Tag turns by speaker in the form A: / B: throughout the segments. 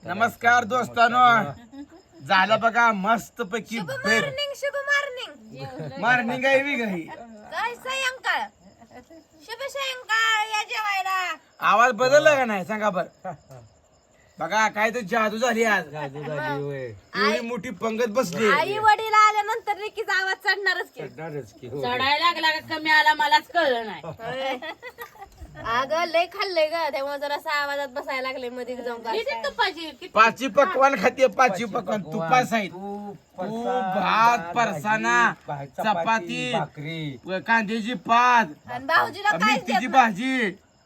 A: नमस्कार दोस्तानो, झालं बघा मस्त पैकी
B: शुभ मॉर्निंग शुभ मॉर्निंग
A: मॉर्निंग आहे बी घरी.
B: काय सायंकाळ शुभ सायंकाळ या जेवायला.
A: आवाज बदलला का नाही सांगा बर. बघा काय तर जादू झाली आज. एवढी मोठी पंगत बसली.
B: आई वडील आल्यानंतर रिकीचा आवाज चढणारच की.
C: चढायला लागला का कमी आला मलाच कळलं नाही.
B: अगं लय खाल्लंय ग, त्यामुळे जरा आवाजात बसायला लागले मध्ये जाऊन काय.
C: किती तुपाची किती
A: पाची पकवान खाते, पाची पकवान तुपास आहेत. तूप, भात, फरसाणा, चपाती, कांद्याची पात,
B: आणि भाऊजीला काय
A: मेथीची भाजी,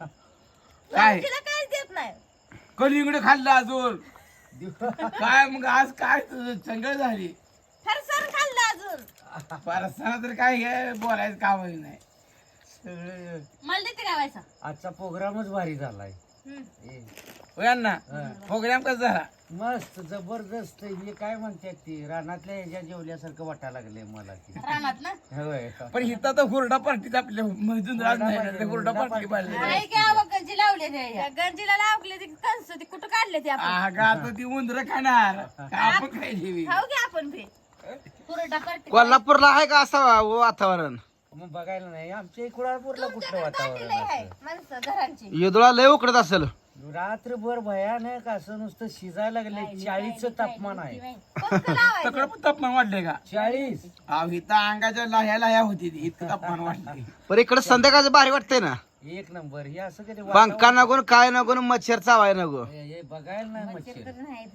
A: काय
B: भाऊजीला काहीच देत नाही.
A: कलिंगड खाल्लं अजून काय. मग आज काय तुझं चंगळ झाली.
B: फरसाण खाल्लं अजून.
A: फरसाणा तर काय हे बोलायचं काम नाही.
C: मला देते काय व्हायचा.
D: आजचा प्रोग्रामच भारी झालाय.
A: यांना प्रोग्राम कसा झाला.
D: मस्त जबरदस्त. हे काय म्हणतात ती रानातल्या ह्याच्या जेवल्यासारखं वाटायला लागले मला ती.
C: रानात ना
D: होय.
A: पण इथं तर हुरडा पार्टीत आपल्या मजून राज नाही, हुरडा पार्टी पाहिजे.
C: आई काय गंजी लावले ते
B: त्या गंजीला लावले ती कंस ती कुठं काढले ती आपण.
A: आता ती उंदर खाणार का आपण खायची.
B: खाऊ घ्या आपण बी.
C: पुरटा करते.
A: कोल्हापूरला आहे का असं वातावरण.
D: मग बघायला नाही आमच्या इकडं कुठलं वातावरण
B: लय आहे
D: असं.
B: माणसं घरांची.
A: येदोळा लय उकडत असेल.
D: रात्रभर भयानक असं नुसतं शिजायला लागले. 40चं तापमान आहे.
B: पंख लावायचं.
A: तकडं पण तापमान वाढले का.
D: 40.
A: इथं अंगाच्या लाह्या होती ती, इतकं तापमान वाढले.
E: पण इकडे संध्याकाळचं भारी वाटतंय ना.
D: एक नंबर. हे असं कधी
E: पंखा नको काय नको मच्छर चावाय नको.
D: हे बघायला नाही मच्छर.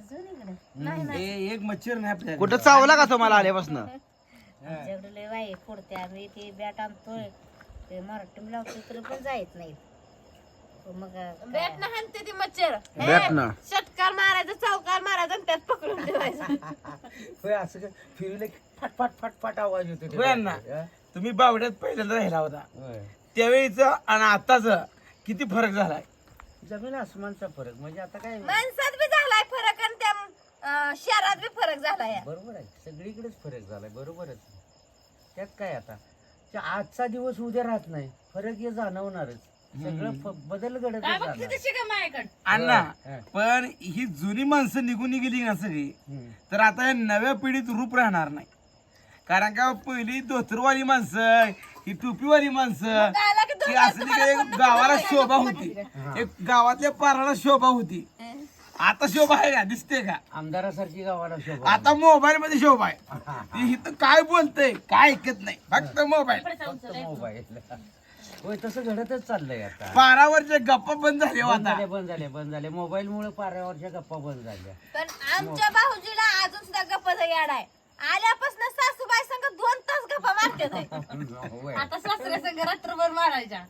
A: हे एक मच्छर नाही आपल्याला.
E: कुठं चावला का तुम्हाला आल्यापासून.
F: आमच्याकडे लय वाई फोडते. आम्ही ते बॅट आणतोय ते मराठी लावतोय तर पण जायत नाही. मग
B: बॅट न हाणते ती मच्छर.
E: बॅट न.
B: षटकार मारायचं, चौकार मारायचं आणि त्यात पकडून ठेवायचं.
D: होय असं फिरले फाट फाट फाट फाट आवाज येतो ते.
A: होय ना. तुम्ही बावड्यात पहिल्यांदा राहिला होता
D: होय.
A: त्यावेळीच आणि आताच किती फरक झालाय.
D: जमीन आसमानचा फरक. म्हणजे आता काय
B: माणसात बी झालाय फरक आणि त्या शहरात बी फरक झालाय.
D: बरोबर आहे. सगळीकडेच फरक झालाय. बरोबरच. त्यात काय आता आजचा दिवस उद्या राहत नाही. फरक हे जाणवणारच. सगळं बदल घडत
C: काय बघ किती शिका माझ्याकडे.
A: अण्णा पण ही जुनी माणसं निघून गेली ना सगळी, तर आता या नव्या पिढीत रूप राहणार नाही. कारण का पहिली धोतरवाली माणसं, ही टोपीवाली माणसं, ही असली काही एक गावाला शोभा होती. एक गावातल्या पाराला शोभा होती. आता शोभा आहे का. दिसते का.
D: आमदारासारखी गावाला शोभा.
A: आता मोबाईल मध्ये शोभा आहे. ती इथं काय बोलतय काय ऐकत नाही, फक्त मोबाईल.
D: मोबाईल. होय तसं घडतच चाललंय आता.
A: पारावरच्या गप्पा बंद झाले
D: बंद
A: आता.
D: झाले बंद झाले बंद झाले. मोबाईल मुळे पाऱ्यावरच्या गप्पा बंद झाल्या.
B: पण आमच्या भाऊजीला अजून सुद्धा गप्पाचा याड आहे. आल्यापासून सासूबाई संग 2 तास गप्पा मारते.
D: होय.
C: आता सासऱ्या संग रात्रभर मारायच्या.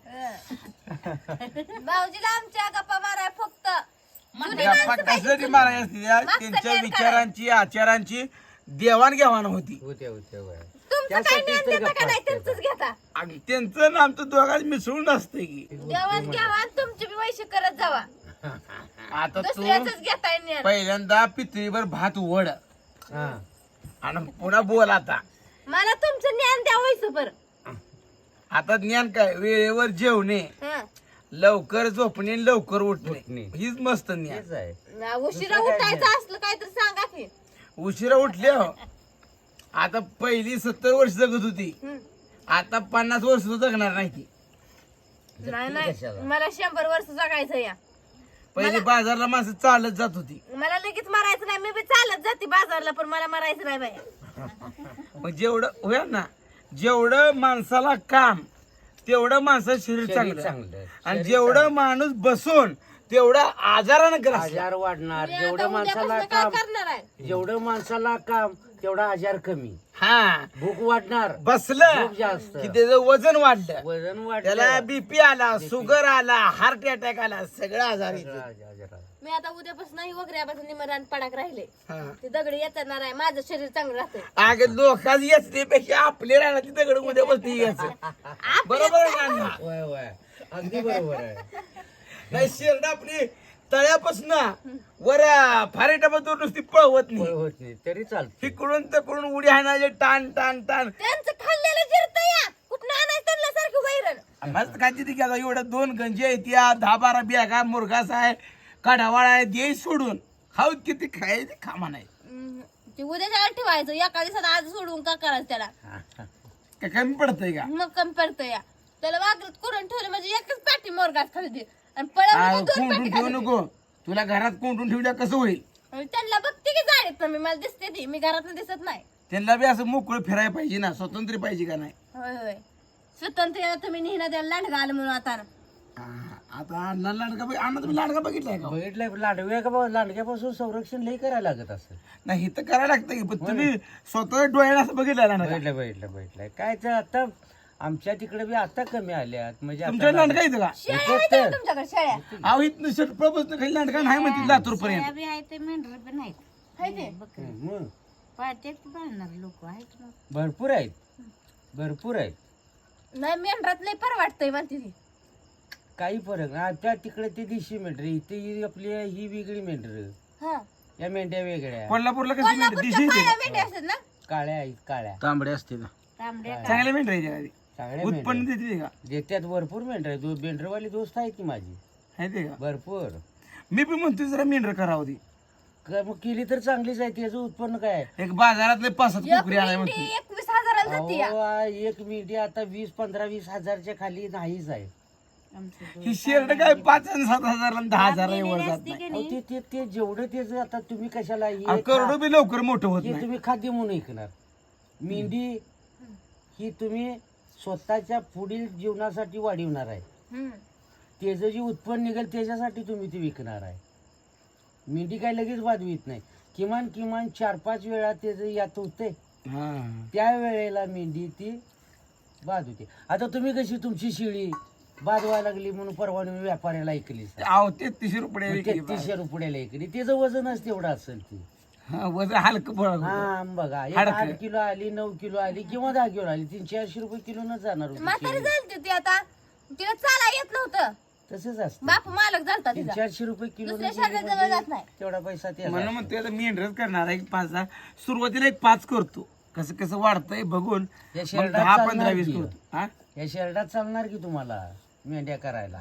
B: भाऊजीला आमच्या गप्पा माराय फक्त जुनी
A: गप्पा
B: माणसं पाहिजे.
A: कशासाठी मारायची असते. त्यांच्या विचारांची आचारांची देवाणघेवाण होती.
D: होते होते होय.
B: तुमचं काय ज्ञान देता का नाही त्यांचंच घेता.
A: आणि त्यांचं नाम तर दोघांच मिसळून असते की.
B: देवाण घ्यावा तुमची बी वैशी करत जावा.
A: आता तू
B: दुसऱ्याच घेताय ज्ञान.
A: पहिल्यांदा पितळीवर भात वड
D: हा.
A: आणि पुन्हा बोल. आता
B: मला तुमचं ज्ञान द्या वैस बर.
A: आता ज्ञान काय. वेळेवर जेवणे, लवकर झोपणे, लवकर उठणे,
D: उठणे.
A: हीच मस्त ज्ञान.
D: तेच आहे.
B: उशिरा उठायचं असलं काय तर सांगा की.
A: उशिरा उठले हो. आता पहिली 70 वर्ष जगत होती, आता 50 वर्ष सुद्धा जगणार नाही ती.
B: नाही
D: कशाला?
B: मला 100 वर्ष जगायचं या.
A: पहिली बाजारला माणसं चालत जात होती.
B: मला लगेच मारायचं नाही. मी बी चालत जाते बाजारला, पण मला मारायचं नाही बाया.
A: मग जेवढं होय ना, जेवढं माणसाला काम तेवढं माणसाचं शरीर
D: शरीर
A: चांगलं.
D: चांगलं.
A: आणि जेवढं माणूस बसून तेवढं आजारानं ग्रस्त.
D: आजार वाढणार.
B: मी
D: जेवढं
B: आता
D: माणसाला
B: उद्यापासून काय
D: काम
B: करणार आहे.
D: जेवढं माणसाला काम तेवढा आजार कमी.
A: हा
D: भूक वाढणार.
A: बसलं
D: खूप जास्त.
A: की त्याचं वजन वाढलं,
D: वजन
A: त्याला
D: वाढलं.
A: बीपी आला, शुगर आला, हार्ट अटॅक आला, सगळं आजार येते.
D: आजार.
B: मी आता उद्यापासून नाही वगैरेपासून निमरान पडाक राहिले.
A: हा.
B: ते दगड येणार आहे. माझं शरीर चांगलं राहतंय.
A: अगं लोकांची येचण्यापेक्षा आपले राहणार ती दगड उद्या बसती यायचं. बरोबर आहे ना.
D: होय होय. अगदी बरोबर आहे.
A: नाही शेरड आपली तळ्यापासून वर फारेटापासून नुसती पळवत नाही.
D: होत नाही तरी चालते.
A: तिकडून तिकडून उडी हाणायचे टाण टाण टाण.
B: त्यांचं खाल्लेलं जिरत या. कुठं आणायचं त्यांना सारखं वैरण.
A: मस्त काय तिथे घ्या. एवढ्या 2 गंजे आहेत, 10-12 बॅगा, मुरघास आहे, कढावाळा आहे, दे सोडून खाऊ किती खायचे खामा नाही
B: ते उद्याच्या ठेवायचं एका दिवसात आज सोडून का करायचं त्याला
A: काय कमी पडतंय का
B: मग कमी पडतं या त्याला वागरत करून ठेवलं म्हणजे एकच पाठी मोरगात खाली दे आणि पळवलं दोन
A: कोंडून
B: पाठी
A: ठेवू
B: खाली
A: नको तुला घरात कोंडून ठेवल्या कसं होईल
B: आणि त्यांना बघते की जाडीत ना मी मला दिसते ती मी घरात दिसत नाही
A: त्यांना बी असं मोकळं फिरायला पाहिजे ना स्वतंत्र पाहिजे का नाही
B: होय होय स्वतंत्र तुम्ही नेहना द्यायला लांडगा आलं म्हणून आता
A: आता अण्णा लांडगा अण्णा तुम्ही लांडगा बघितलाय का
D: बघितलंय लांडग्यापासून संरक्षण लई करायला लागत असं.
A: नाही तर करायला लागतं की पण तुम्ही स्वतः डोळ्याने असं बघितलं लांडगा
D: बघितलंय काय तर आता आमच्या तिकडे बी आता कमी आल्यात म्हणजे
A: तुमच्या
D: आता
A: लांडगा येतं का
B: शेळ्या आहेत का तुमच्याकडे शेळ्या
A: अहो इथनं शटपळापासून खाली लांडगा नाही म्हणते लातूर पर्यंत
F: सोयाबी आहे ते मेंढर पण आहेत
B: हाय ते
D: मग
F: पाळतेत पाळणार लोक आहेत मग
D: भरपूर आहेत
B: नाही मेंढरात लय परवाटतंय म्हणते ती
D: काही फरक नाही त्या तिकडे ते देशी मेंढर इथे ही आपली ही वेगळी मेंढर
B: हा
D: या मेंढ्या वेगळ्या
A: कोल्हापूरला कसं मेंढर दिशी
B: कोल्हापूरच्या
A: येते
B: काळ्या मेंढ्या असतात ना
D: काळ्या आहेत काळ्या
E: तांबडे असते ना
F: तांबड्या
A: चांगल्या मेंढर आहे आधी
D: चांगल्या
A: उत्पन्न
D: मेंढ्या
A: देते का
D: देत्यात भरपूर मेंढर आहे मेंढरवाली दोस्त आहे की माझी
A: आहे ते का
D: भरपूर
A: मी पण म्हणतो जरा मेंढर करावं ती
D: मग केली तर चांगलीच आहे त्याचं उत्पन्न काय आहे?
A: एक बाजारातले 5-7
B: एक
A: कोकरी आणाय
B: मेंढी
A: म्हणतो
B: 21,000 जाते या.
D: अहो, एक मेंढी आता 20-15-20 हजारच्या खाली नाहीच आहे
A: ही शेरड काय 5 आणि 7 हजार आणि 10 हजार एवढं जात नाही
D: अहो, ते जेवढं त्याचं आता तुम्ही कशाला
A: अहो, करोडो बी लवकर मोठं होत
D: हे
A: नाही
D: तुम्ही खाद्य म्हणून ऐकणार मेंढी ही तुम्ही स्वतःच्या पुढील जीवनासाठी वाढवणार आहे
B: हम्म.
D: त्याचं जे उत्पन्न निघेल त्याच्यासाठी तुम्ही ते विकणार आहे मेंढी काय लगेच वाढवीत नाही किमान 4-5 वेळा त्याचं यात होते
A: हा.
D: त्या वेळेला मेंढी ती बाद होते आता तुम्ही कशी तुमची शेळी बाद व्हायला लागली म्हणून परवा तुम्ही व्यापाऱ्याला ऐकली
A: अहो 33 रुपये विकली
D: 3300 रुपयाला ऐकली त्याचं वजनच तेवढं असेल ती
A: हा, वजन हलकं पडत
D: हा बघा एक
A: हाडकं.
D: 8 किलो आली 9 किलो आली किंवा 10 किलो आली 300-400 रुपये किलो न जाणार होती
B: म्हातारी
D: शेळी.
B: झालती ती आता तिला चाला येत नव्हतं
D: तसंच असतं
B: बाप मालक झालता तिचा
D: 300-400 रुपये किलो
B: दुसऱ्या शहराजवळ जात नाही
D: तेवढा पैसा ते
A: म्हणून म्हणतोय आता मेंढरच करणार आहे 5-10 सुरुवातीला एक 5 करतो कसं कसं वाढतंय बघून
D: या
A: मग
D: शेरडात
A: 10,
D: चालणार
A: 15, 20
D: की?
A: करतो हा
D: या शेरडात चालणार की तुम्हाला मेंढ्या करायला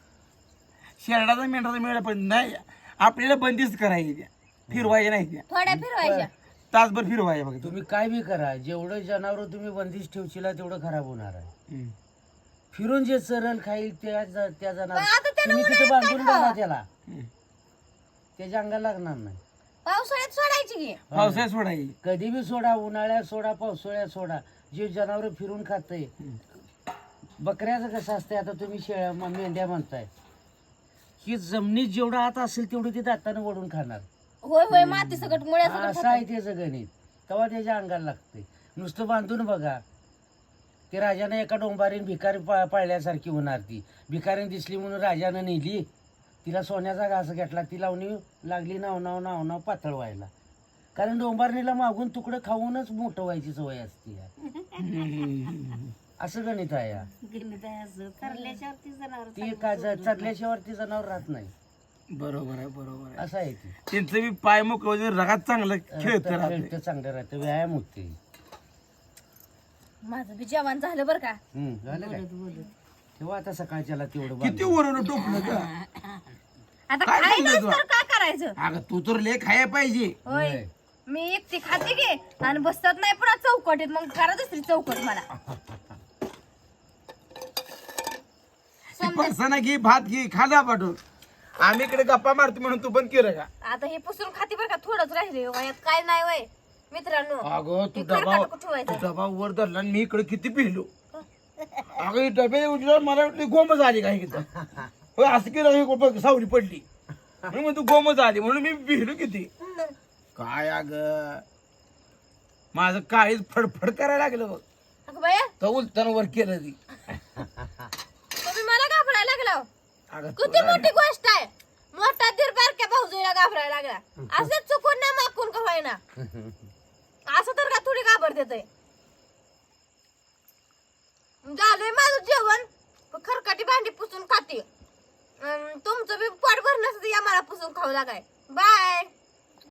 A: शेरडाचा मेंढराचा मेळा पण नाही आपल्याला बंदिस्त करायची त्या फिरवायच्या नाही त्या
B: थोड्या फिरवायच्या
A: तासभर फिरवायच्या बघ
D: तुम्ही काय बी करा जेवढं जनावर तुम्ही बंदिश ठेवशीला तेवढं खराब होणार आहे फिरून जे चरल खाईल त्या जनावर
B: पण आता त्यानं
D: तुम्ही तिथे
B: उन्हाळ्यात
D: बांधून
B: काय खावं?
D: बघा त्याला त्याच्या अंगाला लागणार नाही
B: पावसाळ्यात सोडायची की
A: पावसाळ्यात सोडायची
D: कधी बी सोडा उन्हाळ्यात सोडा पावसाळ्यात सोडा जे जनावर फिरून खातंय बकऱ्याचं कसं असतंय आता तुम्ही मेंढ्या म्हणताय ही जमिनीत जेवढा हात असेल तेवढं ते दातानं वडून खाणार
B: होय होय माती सकट मुळ्या सकट
D: असं आहे त्याचं गणित तेव्हा त्याच्या अंगाला लागतंय नुसतं बांधून बघा ते राजाने एका डोंबारीन भिकारी पाळल्यासारखी होणार ती भिकारीन दिसली म्हणून राजानं नेली तिला सोन्याचा घास घेतला ती लावणी लागली नाव पातळ व्हायला कारण डोंबारणीला मागून तुकडं खाऊनच मोठं व्हायची सवय असते असं गणित आहे या.
F: गणित आहे असं ठरल्याच्यावरती जनावर
D: ती काय चढल्याशिवाय ती जनावर राहत नाही
A: बरोबर आहे
D: असं आहे ती
A: त्यांचं बी पाय मोकळं रगात चांगलं खेळत राहते
D: खेळतं चांगलं राहतं व्यायाम होते
B: माझं बी जेवण झालं बरं का
D: झालं काय तेव्हा आता सकाळच्याला तेवढं
A: किती वरून टोपलं का
B: आता
A: काय
B: खायलाच
A: समजायचं?
B: तर काय करायचं
A: अगं तू तर लय खाया पाहिजे
B: होय
D: होय.
B: मी एकटी खाते की आणि बसत नाही पुन्हा चौकटीत मग करा दुसरी चौकट मला
A: फरसाना घे भात घे खाला पाठवून आम्ही इकडे गप्पा मारतो म्हणून तू पण केलं का
B: आता हे पुसून खाते बरं का थोडंच राहिले वयात काय नाही वय मित्रांनो
A: अगं तू
B: हे
A: डबा
B: खरकटं कुठं ठेवायचं?
A: तू डबा वर धरला आणि मी इकडे किती पिलो अगं हे डबे उठल्यावर मला वाटली गोमच आली काय किती होय असं केलं हे बघ, सावली पडली म्हणून तू गोमच आली म्हणून मी पिलो किती काय अग माझं काळीच फडफड करायला लागलं बघ
B: अगं बाया
A: तर उलताना वर केलं ती
B: तुम्ही मला घाबरायला लागला
A: अगं
B: किती मोठी गोष्ट आहे मोठा दीर बारक्या भाऊजीला घाबरायला लागला असंच चुकून ना माकून का होईना असं तर का थोडी घाबर देतय झालंय माझं जेवण खरकाटी भांडी पुसून खाते तुमचं बी पोट भरण्यासाठी या मला पुसून खाऊ लागाय बाय